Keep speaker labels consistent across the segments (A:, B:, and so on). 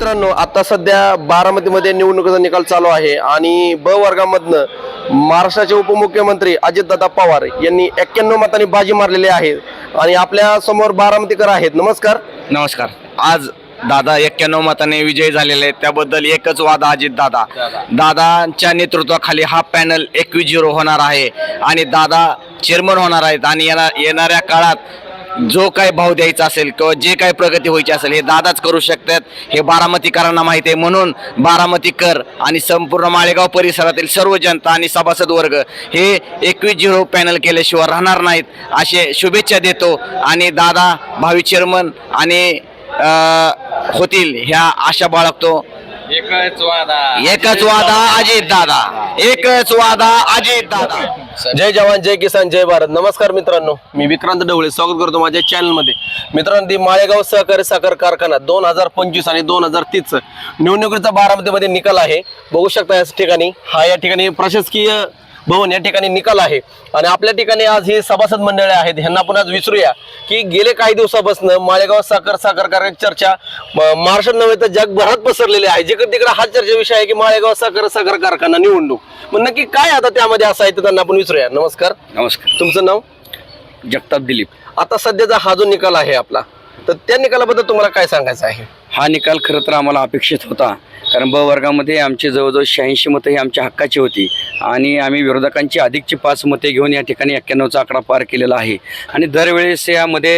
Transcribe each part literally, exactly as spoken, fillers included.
A: मित्रांनो, आता सध्या बारामतीमध्ये निवडणुकीचा निकाल चालू आहे आणि ब वर्गामधनं महाराष्ट्राचे उपमुख्यमंत्री अजितदादा पवार यांनी एक्क्याण्णव मतांनी बाजी मारलेली आहे आणि आपल्या समोर बारामतीकर आहेत. नमस्कार.
B: नमस्कार. आज दादा एक्क्याण्णव मताने विजयी झालेले आहेत. त्याबद्दल एकच वाद अजित दादा दादांच्या नेतृत्वाखाली हा पॅनल एकवीस झिरो होणार आहे आणि दादा चेअरमन होणार आहेत आणि येणाऱ्या काळात जो काही भाव द्यायचा असेल किंवा जे काही प्रगती व्हायची असेल हे दादाच करू शकतात. हे बारामतीकरांना माहिती आहे. म्हणून बारामतीकर आणि संपूर्ण माळेगाव परिसरातील सर्व जनता आणि सभासद वर्ग हे एकवीस झिरो पॅनल केल्याशिवाय राहणार नाहीत असे शुभेच्छा देतो आणि दादा भावी चेअरमन आणि होतील ह्या आशा बाळगतो.
C: एकच वादा
B: एकच वादा अजित दादा, एकच वादा अजित दादा.
A: जय जवान जय किसान जय भारत. नमस्कार मित्रांनो, मी विक्रांत ढवळे स्वागत करतो माझ्या चॅनलमध्ये. मित्रांनो, ती माळेगाव सहकारी साखर कारखाना दोन हजार पंचवीस आणि दोन हजार तीस निवडणुकीचा बारामतीमध्ये निकाल आहे. बघू शकता या ठिकाणी हा या ठिकाणी प्रशासकीय भवन या ठिकाणी निकाल आहे आणि आपल्या ठिकाणी आज ही सभासद मंडळी आहेत. ह्यांना आपण आज विचारूया की गेले काही दिवसापासून माळेगाव साखर साखर कारखान्याची चर्चा महाराष्ट्रात नव्हे तर जगभरात पसरलेली आहे. जिकडे तिकडे हा चर्चा विषय आहे की माळेगाव साखर साखर कारखाना निवडणूक. मग नक्की काय आता त्यामध्ये असं आहे तर त्यांना आपण विचारूया. नमस्कार.
B: नमस्कार.
A: तुमचं नाव?
B: जगताप दिलीप.
A: आता सध्याचा हा जो निकाल आहे आपला, तर त्या निकालाबद्दल तुम्हाला काय सांगायचं आहे?
B: हा निकाल खरं तर आम्हाला अपेक्षित होता, कारण ब वर्गामध्ये आमची जवळजवळ शहाऐंशी मतं ही आमच्या हक्काची होती आणि आम्ही विरोधकांची अधिकची पाच मते घेऊन या ठिकाणी एक्क्याण्णवचा आकडा पार केलेला आहे. आणि दरवेळेस यामध्ये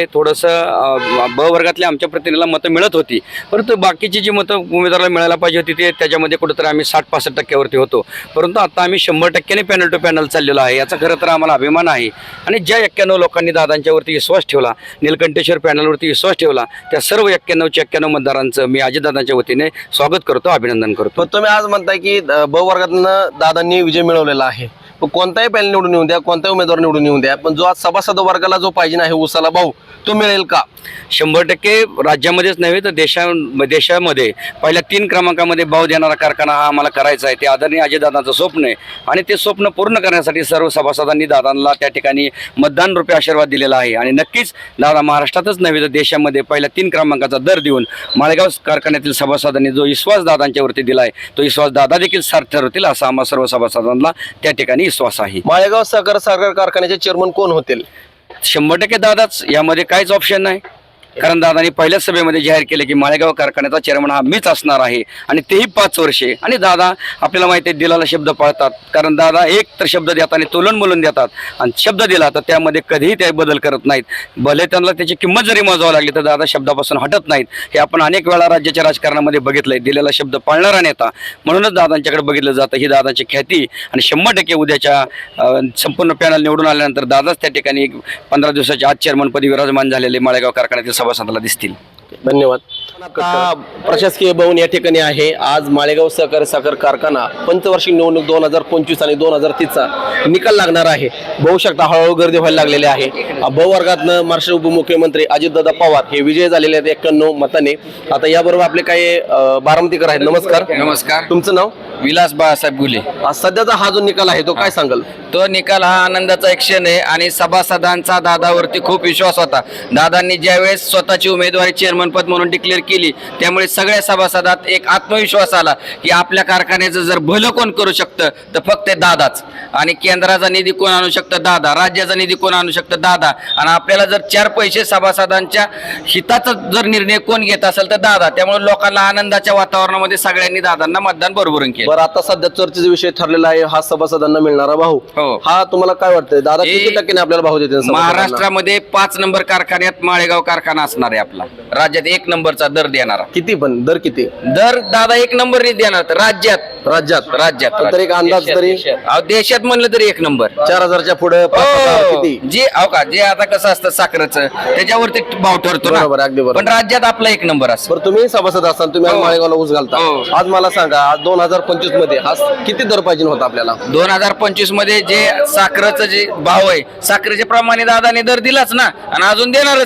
B: थोडंसं ब वर्गातल्या आमच्या प्रतिनिधीला मतं मिळत होती, परंतु बाकीची जी मतं उमेदवाराला मिळायला पाहिजे होती ते त्याच्यामध्ये कुठंतरी आम्ही साठ पासष्ट टक्क्यावरती होतो. परंतु आता आम्ही शंभर टक्क्याने पॅनल टू पॅनल चाललेलो आहे. याचा खरं तर आम्हाला अभिमान आहे. आणि ज्या एक्क्याण्णव लोकांनी दादांच्यावरती विश्वास ठेवला, नीलकंठेश्वर पॅनलवरती विश्वास ठेवला, त्या सर्व एक्क्याण्णवच्या एक्क्याण्णव मतदारांचं मी अजितदादांच्या वतीने स्वागत करतो, अभिनंदन करतो.
A: पण तुम्ही आज म्हणताय की ब वर्गातनं दादांनी विजय मिळवलेला आहे. कोणताही पॅनल निवडून येऊन द्या, कोणताही उमेदवार निवडून येऊन द्या, पण जो आज सभासद वर्गाला जो पाहिजे आहे उसाला भाऊ, तो मिळेल का?
B: शंभर टक्के राज्यामध्येच नव्हे तर देशा देशामध्ये पहिल्या तीन क्रमांकामध्ये भाव देणारा कारखाना हा आम्हाला करायचा आहे. ते आदरणीय अजितदादांचं स्वप्न आहे आणि ते स्वप्न पूर्ण करण्यासाठी सर्व सभासदांनी दादांना त्या ठिकाणी मतदान रूपी आशीर्वाद दिलेला आहे. आणि नक्कीच दादा महाराष्ट्रातच नव्हे तर देशामध्ये पहिल्या तीन क्रमांकाचा दर देऊन माळेगाव कारखान्यातील सभासदांनी जो विश्वास दादांच्यावरती दिला आहे तो विश्वास दादा देखील सार्थ ठरवतील असा आम्हा सर्व सभासदांना त्या ठिकाणी विश्वास आहे.
A: माळेगाव साखर साखर कारखान्याचे चेअरमन कोण होतील?
B: शंभर टक्के दादाच. यामध्ये काहीच ऑप्शन नाही, कारण दादांनी पहिल्याच सभेमध्ये जाहीर केले की माळेगाव कारखान्याचा चेअरमन हा मीच असणार आहे आणि तेही पाच वर्षे. आणि दादा आपल्याला माहिती आहे दिलाला शब्द पाळतात, कारण दादा एक तर शब्द देताना तोलन बोलून देतात आणि शब्द दिला तर त्यामध्ये कधीही ते बदल करत नाहीत. भले त्यांना त्याची किंमत जरी मोजावी लागली तर दादा शब्दापासून हटत नाहीत. हे आपण अनेक वेळा राज्याच्या राजकारणामध्ये बघितलंय. दिलेला शब्द पाळणारा नेता म्हणूनच दादांच्याकडे बघितलं जातं. ही दादाची ख्याती आणि शंभर टक्के उद्याच्या संपूर्ण पॅनल निवडून आल्यानंतर दादाच त्या ठिकाणी पंधरा दिवसाच्या आज चेअरमनपदी विराजमान झालेले माळेगाव कारखान्यातील सभासदाला दिसतील.
A: धन्यवाद. आता प्रशासकीय भवन या ठिकाणी आहे. आज माळेगाव सहकारी साखर कारखाना पंचवार्षिक निवडणूक दोन हजार पंचवीस आणि दोन हजार तीसचा निकाल लागणार आहे. बघू शकता हळूहळू गर्दी व्हायला लागलेली आहे. ब वर्गातनं महाराष्ट्र उपमुख्यमंत्री अजितदादा पवार हे विजय झालेले आहेत एक्क्याण्णव मताने. आता याबरोबर आपले काही बारामतीकर आहेत. नमस्कार.
C: नमस्कार.
A: तुमचं नाव?
C: विलास बाळासाहेब गुले.
A: आज सध्याचा हा जो निकाल आहे तो काय सांगाल?
C: तो निकाल हा आनंदाचा एक क्षण आहे आणि सभासदांचा दादावरती खूप विश्वास होता. दादांनी ज्यावेळेस स्वतःची उमेदवारी चेअरमन पद म्हणून डिक्लेअर केली त्यामुळे सगळ्या सभासदात एक आत्मविश्वास आला की आपल्या कारखान्याचं जर भलं कोण करू शकतं तर फक्त दादाच. आणि केंद्राचा निधी कोण आणू शकतं? दादा. राज्याचा निधी कोण आणू शकतं? दादा. आणि आपल्याला जर चार पैसे सभासदांच्या हिताचा जर निर्णय कोण घेत असेल तर दादा. त्यामुळे लोकांना आनंदाच्या वातावरणामध्ये सगळ्यांनी दादांना मतदान बरोबरून केलं.
A: बरं, आता सध्या चर्चेचा विषय ठरलेला आहे हा सभासदांना मिळणारा भाऊ.
C: हो.
A: हा तुम्हाला काय वाटतंय दादा किती टक्क्याने आपल्याला भाऊ देतील?
C: महाराष्ट्रामध्ये पाच नंबर कारखान्यात माळेगाव कारखाना असणार आहे आपला. राज्यात एक नंबरचा दर देणारा.
A: किती? पण दर किती?
C: दर दादा एक नंबर देणार तर राज्यात
A: राज्यात
C: राज्यात
A: तर एक अंदाज तरी
C: अहो, देशात म्हणलं तरी एक नंबर.
A: चार हजारच्या पुढे किती?
C: जे अहो का जे आता कसं असतं साखरेचं त्याच्यावरती भाव ठरतो ना.
A: बरोबर, अगदी बरोबर.
C: पण राज्यात आपला एक नंबर असतो.
A: बरं, तुम्ही सभासद असताना तुम्ही आज
C: हो.
A: माळेगावला ऊस घालता.
C: हो.
A: आज मला सांगा आज दोन हजार पंचवीस मध्ये हा किती दर पाहिजे होता आपल्याला?
C: दोन हजार पंचवीस मध्ये जे साखरेचं जे भाव आहे साखरेच्या प्रमाणे दादाने दर दिलाच ना आणि अजून देणारच आहेत.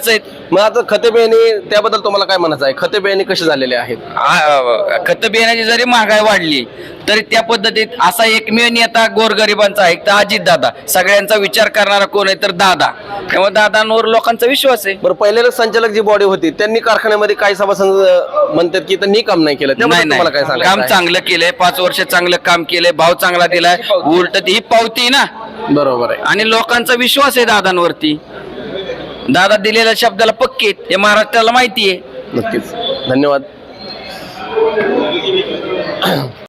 A: मग आता खते बियाणे त्याबद्दल तुम्हाला काय म्हणायचं आहे? खते बियाणे कसे झालेले आहेत?
C: आ- खत बियाण्याची जरी महागाई वाढली तरी त्या पद्धतीत असा एकमेव नेता गोरगरिबांचा आहे तर अजित दादा. सगळ्यांचा विचार करणारा कोण आहे तर दादा. त्यामुळे दादांवर लोकांचा विश्वास आहे.
A: बरं, पहिल्या संचालक जी बॉडी होती त्यांनी कारखान्यामध्ये काही सभासद अं, म्हणतात की त्यांनी काम नाही केलं,
C: नाही
A: त्याबद्दल तुम्हाला काय
C: नाही
A: सांगायचं
C: काम
A: आहे?
C: चांगलं केलंय. पाच वर्ष चांगलं काम केलंय. भाव चांगला दिलाय. उलट ही पावती ना
A: बरोबर आहे.
C: आणि लोकांचा विश्वास आहे दादांवरती. दादा दिलेल्या शब्दाला पक्के आहेत. हे महाराष्ट्राला माहिती आहे.
A: नक्कीच, धन्यवाद.